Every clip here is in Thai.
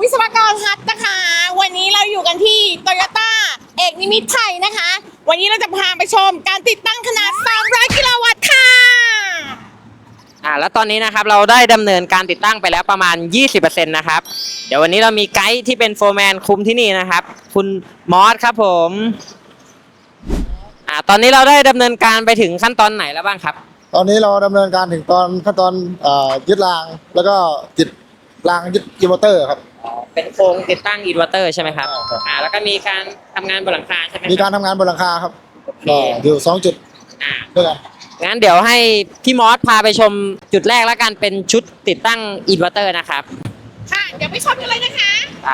วิศวกรฮัทนะคะวันนี้เราอยู่กันที่โตโยต้าเอกนิมิตไทยนะคะวันนี้เราจะพาไปชมการติดตั้งขนาด300กิโลวัตต์ค่ะแล้วตอนนี้นะครับเราได้ดำเนินการติดตั้งไปแล้วประมาณ 20% นะครับเดี๋ยววันนี้เรามีไกด์ที่เป็นโฟร์แมนคุมที่นี่นะครับคุณมอสครับผมตอนนี้เราได้ดำเนินการไปถึงขั้นตอนไหนแล้วบ้างครับตอนนี้เราดำเนินการถึงขั้นตอนยึดรางแล้วก็ติดรางยึดอินเวอร์เตอร์ครับเป็นโครงติดตั้งอินเวอร์เตอร์ใช่ไหมครับครับแล้วก็มีการทำงานบนหลังคาใช่ไหมมีการทำงานบนหลังคาครับก็อยู่2 จุดด้วยกันงั้นเดี๋ยวให้พี่มอสพาไปชมจุดแรกแล้วกันเป็นชุดติดตั้งอินเวอร์เตอร์นะครับค่ะเดี๋ยวไปชมกันเลยนะคะ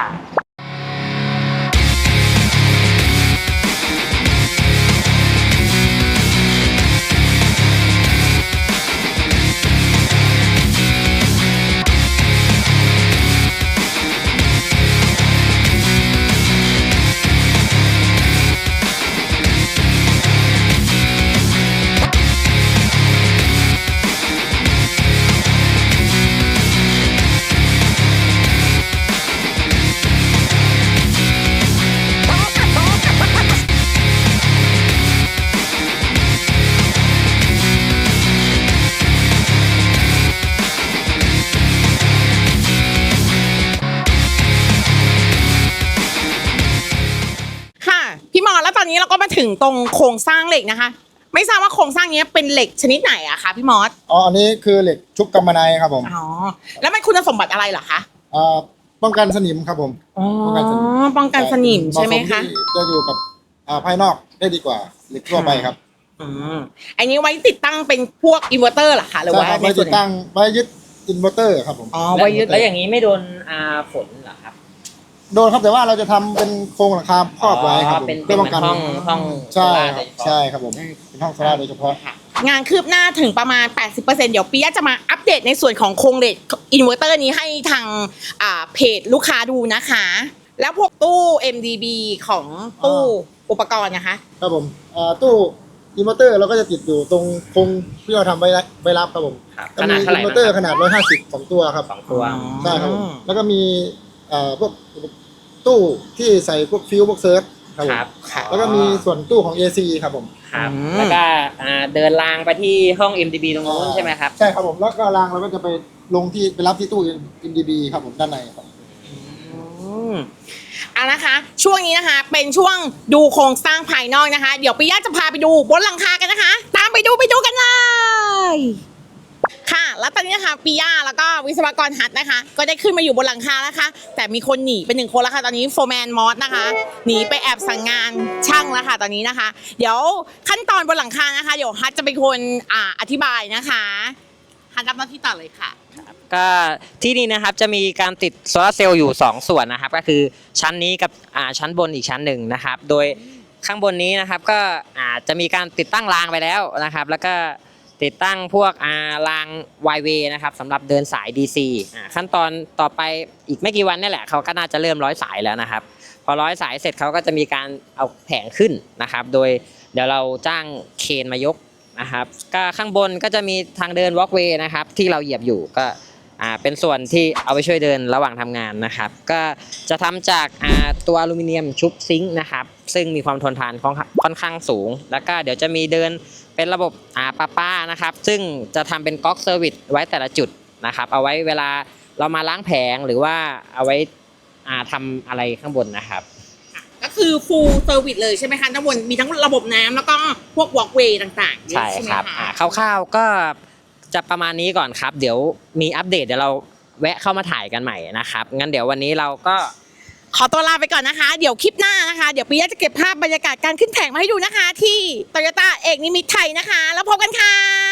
พี่มอแล้วตอนนี้เราก็มาถึงตรงโครงสร้างเหล็กนะคะไม่ทราบว่าโครงสร้างนี้เป็นเหล็กชนิดไหนอะคะพี่มอสอันนี้คือเหล็กชุบกำมะไนครับผมแล้วมันคุณสมบัติอะไรเหรอคะป้องกันสนิมครับผมป้องกันสนิมใช่ไหมคะจะอยู่กับภายนอกได้ดีกว่าเหล็กทั่วไปครับอันนี้ไว้ติดตั้งเป็นพวกอินเวอร์เตอร์เหรอคะหรือว่าไว้ติดตั้งไว้ยึดอินเวอร์เตอร์ครับผมไว้ยึดแล้วอย่างนี้ไม่โดนฝนเหรอครับโดนครับแต่ว่าเราจะทำเป็นโครงหลังคาครอบไว้ครับเป็นป้องกันห้องใช่ครับผมเป็นห้องโซล่าโดยเฉพาะงานคืบหน้าถึงประมาณ 80% เดี๋ยวปียะจะมาอัปเดตในส่วนของโครงเหล็กอินเวอร์เตอร์นี้ให้ทางเพจลูกค้าดูนะคะแล้วพวกตู้ MDB ของตู้อุปกรณ์นะคะครับผมตู้อินเวอร์เตอร์เราก็จะติดอยู่ตรงโครงที่เราทำไว้รับครับผมขนาดเท่าไหร่อินเวอร์เตอร์ขนาด150 2 ตัวครับ 2 ตัวใช่ครับผมแล้วก็มีพวกตู้ที่ใส่พวกฟิวพวกเซิร์ชครับแล้วก็มีส่วนตู้ของ AC ครับผมครับแล้วก็เดินรางไปที่ห้อง MDB ตรงนู้นใช่ไหมครับใช่ครับผมแล้วก็รางเราก็จะไปลงที่ไปรับที่ตู้ MDB ครับผมด้านในครับนะคะช่วงนี้นะคะเป็นช่วงดูโครงสร้างภายนอกนะคะเดี๋ยวปิยะจะพาไปดูบนหลังคากันนะคะตามไปดูกันเลยค่ะแล้วตอนนี้นะคะปิยะแล้วก็วิศวกรฮัทนะคะก็ได้ขึ้นมาอยู่บนหลังคาแล้วค่ะแต่มีคนหนีไป1 คนแล้วค่ะตอนนี้โฟร์แมนมอสนะคะหนีไปแอบสั่งงานช่างแล้วค่ะตอนนี้นะคะเดี๋ยวขั้นตอนบนหลังคานะคะเดี๋ยวฮัทจะเป็นคนอธิบายนะคะฮัทรับหน้าที่ต่อเลยค่ะก็ที่นี่นะครับจะมีการติดโซลาร์เซลล์อยู่2 ส่วนนะครับก็คือชั้นนี้กับชั้นบนอีกชั้นหนึ่งนะครับโดยข้างบนนี้นะครับก็จะมีการติดตั้งรางไปแล้วนะครับแล้วก็ติดตั้งพวกราง Y-Way นะครับสำหรับเดินสาย DC ขั้นตอนต่อไปอีกไม่กี่วันนี่แหละเขาก็น่าจะเริ่มร้อยสายแล้วนะครับพอร้อยสายเสร็จเขาก็จะมีการเอาแผงขึ้นนะครับโดยเดี๋ยวเราจ้างเครนมายกนะครับก็ข้างบนก็จะมีทางเดิน Walkway นะครับที่เราเหยียบอยู่ก็เป็นส่วนที่เอาไปช่วยเดินระหว่างทำงานนะครับก็จะทำจากตัวอลูมิเนียมชุบซิงค์นะครับซึ่งมีความทนทานค่อนข้างสูงแล้วก็เดี๋ยวจะมีเดินเป็นระบบประปานะครับซึ่งจะทำเป็นก๊อกเซอร์วิสไว้แต่ละจุดนะครับเอาไว้เวลาเรามาล้างแผงหรือว่าเอาไว้ทำอะไรข้างบนนะครับก็คือ full service เลยใช่ไหมคะทั้งบนมีทั้งระบบน้ำแล้วก็พวก walkway ต่างๆใช่ครับคร่าวๆก็จะประมาณนี้ก่อนครับเดี๋ยวมีอัปเดตเดี๋ยวเราแวะเข้ามาถ่ายกันใหม่นะครับงั้นเดี๋ยววันนี้เราก็ขอตัวลาไปก่อนนะคะเดี๋ยวคลิปหน้านะคะเดี๋ยวปิยะจะเก็บภาพบรรยากาศการขึ้นแข่งมาให้ดูนะคะที่โตโยต้าเอกนิมิตไทยนะคะแล้วพบกันค่ะ